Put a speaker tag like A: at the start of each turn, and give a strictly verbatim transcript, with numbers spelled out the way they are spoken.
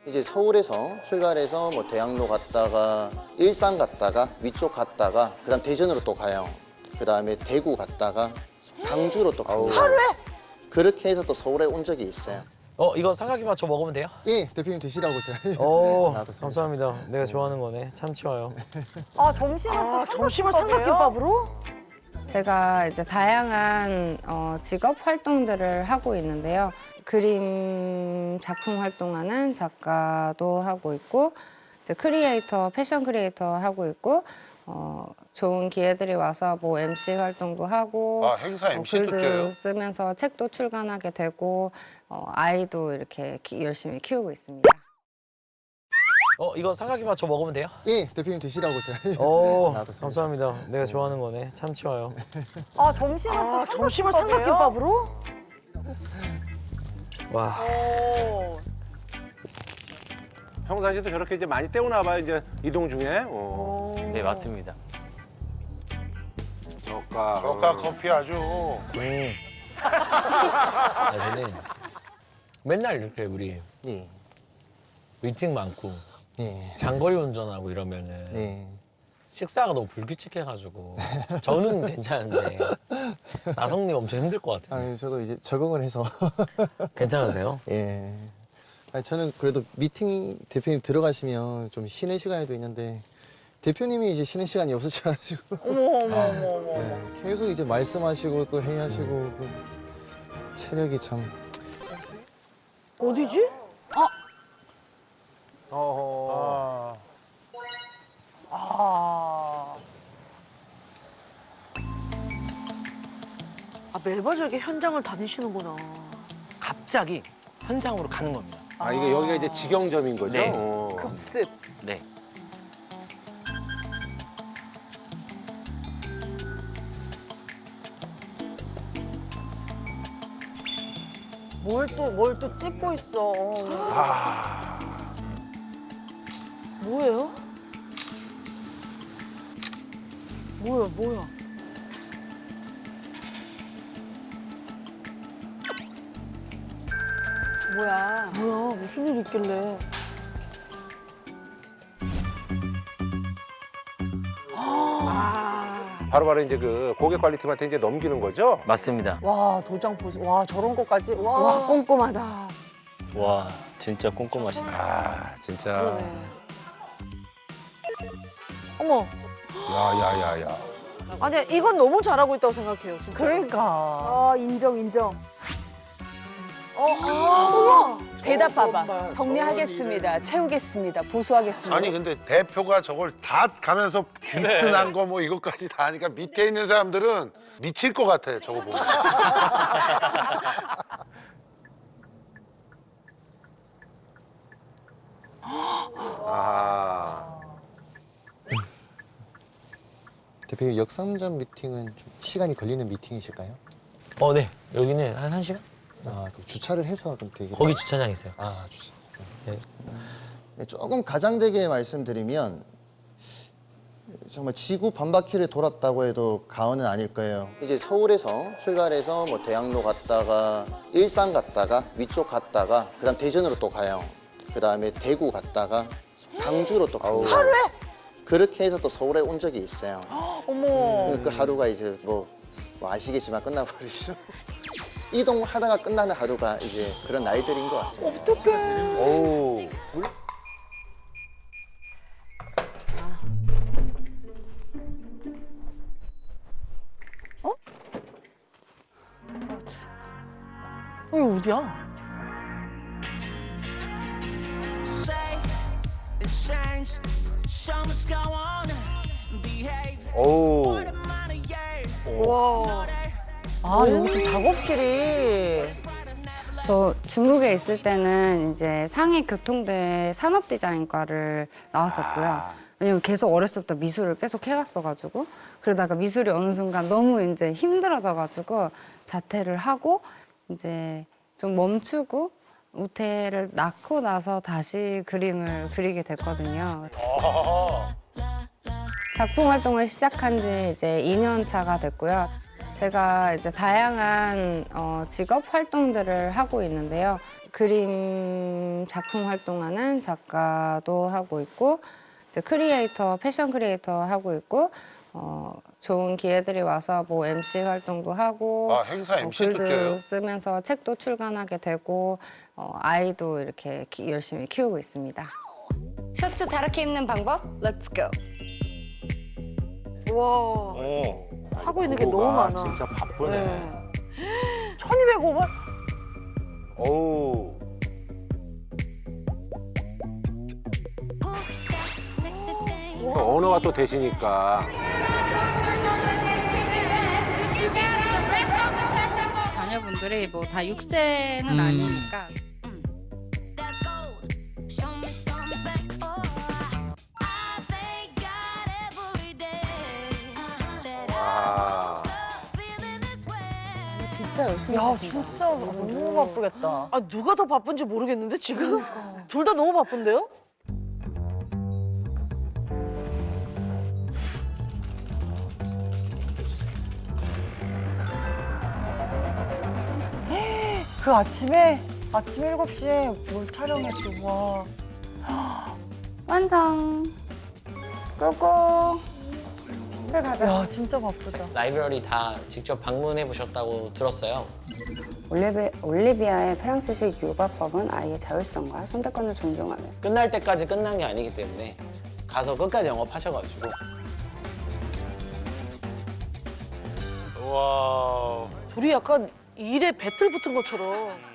A: 이제 서울에서 출발해서 뭐 대학로 갔다가 일산 갔다가 위쪽 갔다가 그다음 대전으로 또 가요. 그다음에 대구 갔다가 광주로 또 가요. 하루에? 그렇게 해서 또 서울에 온 적이 있어요.
B: 어, 이거 삼각김 맞춰 먹으면 돼요?
A: 예, 대표님 드시라고 제가.
B: 오,
A: 놔뒀습니다.
B: 감사합니다. 내가 좋아하는 거네. 참치 와요.
C: 아 점심은 또
D: 아, 점심을
C: 삼각김밥으로?
E: 제가 이제 다양한 어, 직업 활동들을 하고 있는데요. 그림 작품 활동하는 작가도 하고 있고, 이제 크리에이터, 패션 크리에이터 하고 있고, 어, 좋은 기회들이 와서 뭐 엠씨 활동도 하고,
F: 아, 행사
E: 어,
F: 엠씨도
E: 글도
F: 껴요?
E: 쓰면서 책도 출간하게 되고, 어, 아이도 이렇게 키, 열심히 키우고 있습니다.
B: 어, 이거 삼각김 맞춰 먹으면 돼요?
A: 예, 대표님 드시라고 제가.
B: 오,
A: 놔뒀습니다.
B: 감사합니다. 내가 좋아하는 거네. 참치 와요.
C: 아 점심은
D: 아,
C: 또
D: 점심을
C: 삼각김밥으로?
B: 와,
C: 오.
F: 평상시에도 저렇게 이제 많이 때우나 봐요, 이제 이동 중에. 어.
B: 네, 맞습니다.
F: 저가.
G: 저가 커피 아주
B: 음. 아, 저는 맨날 이렇게 우리
A: 예,
B: 미팅 많고
A: 예,
B: 장거리 운전하고 이러면은
A: 네.
B: 식사가 너무 불규칙해가지고 저는 괜찮은데 나성님 엄청 힘들 것 같아요.
A: 아니 저도 이제 적응을 해서.
B: 괜찮으세요?
A: 예. 아니, 저는 그래도 미팅 대표님 들어가시면 좀 쉬는 시간에도 있는데 대표님이 이제 쉬는 시간이 없으셔가지고
C: 어머 어머 어머 어머.
A: 예, 계속 이제 말씀하시고 또 회의하시고 그 체력이 참.
C: 어디지?
F: 어허.
C: 아. 아 매번 저렇게 현장을 다니시는구나.
B: 갑자기 현장으로 가는 겁니다.
F: 아, 이게 여기가 이제 직영점인 거죠?
B: 네.
F: 어.
C: 급습.
B: 네.
C: 뭘 또 뭘 또 찍고 있어.
F: 아.
C: 뭐예요? 뭐야 뭐야?
D: 뭐야?
C: 뭐야 무슨 일 있길래? 아.
F: 바로바로 이제 그 고객 관리팀한테 이제 넘기는 거죠?
B: 맞습니다.
C: 와 도장 보지. 와 저런 것까지. 와.
D: 와, 꼼꼼하다.
B: 와, 진짜 꼼꼼하시네.
F: 아, 진짜.
C: 그러네. 어머.
F: 야야야야.
C: 아니 이건 너무 잘하고 있다고 생각해요. 진짜.
D: 그러니까. 아, 인정, 인정.
C: 어, 아,
D: 대답 봐봐.
G: 저것만,
D: 정리하겠습니다. 채우겠습니다. 보수하겠습니다.
G: 아니 근데 대표가 저걸 다 가면서 기스난 거 뭐 이것까지 다 하니까 밑에 있는 사람들은 미칠 것 같아 저거 보면.
F: 아.
A: 대표님 역삼점 미팅은 좀 시간이 걸리는 미팅이실까요?
B: 어, 네. 여기는 한 1시간?
A: 아, 그럼 주차를 해서 그럼 되게.
B: 거기 주차장 있어요.
A: 아, 주차.
B: 네.
A: 네, 조금 가장되게 말씀드리면 정말 지구 반바퀴를 돌았다고 해도 과언은 아닐 거예요. 이제 서울에서 출발해서 뭐 대학로 갔다가 일산 갔다가 위쪽 갔다가 그다음 대전으로 또 가요. 그다음에 대구 갔다가 광주로 또 가요. 하루에? 그렇게 해서 또 서울에 온 적이 있어요.
C: 어머.
A: 그 하루가 이제 뭐, 뭐 아시겠지만 끝나버리죠. 이동하다가 끝나는 하루가 이제 그런 날들인 것 같습니다.
D: 어떡해.
F: 어우.
C: 여기 어디야?
F: 어우.
C: 와. 아 여기 또 작업실이.
E: 저 중국에 있을 때는 이제 상해 교통대 산업 디자인과를 나왔었고요. 왜냐면 계속 어렸을 때부터 미술을 계속 해왔어가지고 그러다가 미술이 어느 순간 너무 이제 힘들어져가지고 자퇴를 하고 이제 좀 멈추고 우태를 낳고 나서 다시 그림을 그리게 됐거든요. 작품 활동을 시작한 지 이제 이 년 차가 됐고요. 제가 이제 다양한 어, 직업 활동들을 하고 있는데요. 그림 작품 활동하는 작가도 하고 있고 이제 크리에이터, 패션 크리에이터 하고 있고 어, 좋은 기회들이 와서 뭐 엠씨 활동도 하고
G: 아, 행사
E: 어,
G: 엠씨도
E: 글도
G: 껴요?
E: 쓰면서 책도 출간하게 되고 어, 아이도 이렇게 키- 열심히 키우고 있습니다. 셔츠 다르게 입는 방법? Let's go.
C: 와
F: 어.
C: 하고 있는 게
F: 부부가
C: 너무 많아.
F: 진짜 바쁘네.
C: 네. 천이백오만?
F: 어우. 언어가 또 되시니까.
E: 자녀분들이 뭐 다 육 세는 아니니까
F: 아.
D: 진짜 열심히
C: 야
D: 사신다.
C: 진짜 너무 바쁘겠다. 아 누가 더 바쁜지 모르겠는데 지금 둘 다 너무 바쁜데요? 그 아침에 아침 일곱 시에 뭘 촬영했지 와.
E: 완성. 끄고 그래 가자.
C: 야 진짜 바쁘다.
B: 라이브러리 다 직접 방문해 보셨다고 들었어요.
E: 올리비, 올리비아의 프랑스식 육아법은 아이의 자율성과 선택권을 존중하며
B: 끝날 때까지 끝난 게 아니기 때문에 가서 끝까지 영업하셔가지고
G: 와.
C: 둘이 약간 일에 배틀 붙은 것처럼.